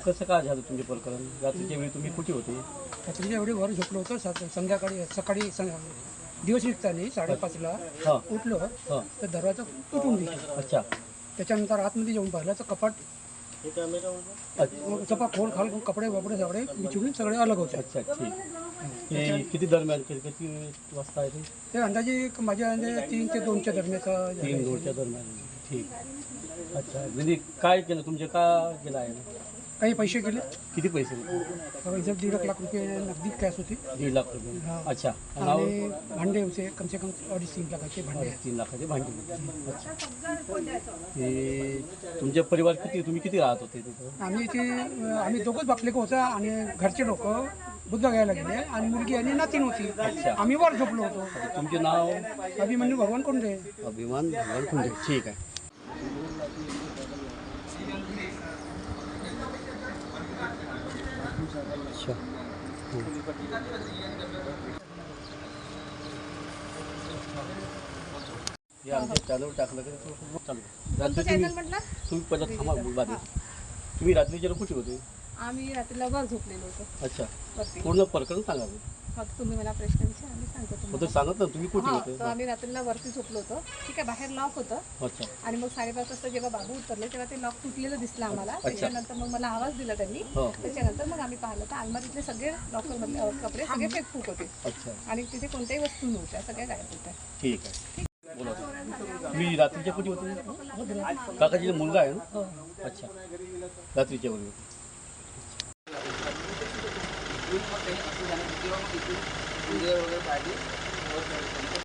कसं काय झालं तुमचे प्रकरण? रात्रीच्या वेळी तुम्ही कुठे होते? रात्रीच्या वेळी वर झोपलो होतो. संध्याकाळी सकाळी दिवस निघताना 5:30ला हां उठलो हां. तर दरवाजा तुटून दिला. अच्छा त्याच्यानंतर आतमध्ये येऊन पाहिलं तर कपाट चपा खोल खाल कपडे वपडे सगळे बिछडून सगळे अलग होते. अच्छा ठीक. हे किती दरम्यान किती वाजता आहे ते? ते अंदाजे माझ्या अंदाजे 3 ते 2च्या दरम्यानचा 3-2च्या दरम्यान. ठीक. अच्छा म्हणजे काय केलं तुमचे का केलं आहे? काही पैसे गेले. किती पैसे? इथं 1.5 लाख रुपये नगदी कॅश होती 1.5 लाख रुपये. हां. अच्छा आणि भांडे होते कमसे कम 2.5-3 लाखाचे भांडे. 3 लाखाचे भांडे. अच्छा ते तुमचे परिवार किती तुम्ही किती राहत होते तिथं? आम्ही दोघंच बापलेक होता आणि घरचे लोक बुद्ध घ्यायला गेले आणि मुलगी आणि नातीन होती. अच्छा. आम्ही वर झोपलो होतो. तुमचे नाव? अभिमन्यू भगवान कोंडे. अभिमान भगवान खुंडे. ठीक आहे. अच्छा हे आमच्या चॅनलवर टाकलं का चालू. रात्री तुम्ही पहिला थांबा बाजू. तुम्ही रात्रीच्या कुठे होते? आम्ही रात्रीला वर झोपलेलो होतो अच्छा वरती. पूर्ण प्रकरण सांगा. फक्त तुम्ही मला प्रश्न विचारा, आम्ही सांगतो फक्त तुम्हाला. सांगत ना तुम्ही कुठे हा, होते? तर आम्ही रात्रीला वरती झोपलो होतो. ठीक आहे, बाहेर लॉक होतं अच्छा आणि मग 5:30 वाजता जेव्हा बाबू उतरले तेव्हा ते लॉक तुटलेलं दिसलं आम्हाला. त्याच्यानंतर मग मला आवाज दिला त्यांनी. हो. त्याच्यानंतर मग आम्ही पाहिलं तर अलमारीतले सगळे लॉकरमधले कपडे सगळे फेकफूक होते अच्छा आणि तिथे कोणत्याही वस्तू नव्हत्या, सगळ्या गायब होत्या. ठीक आहे. बोला तुम्ही रात्रीच्या कुठे होते? काकाजीचा मुलगा आहे ना? अच्छा रात्रीच्या वेळी होते. वगैरे पाहिजे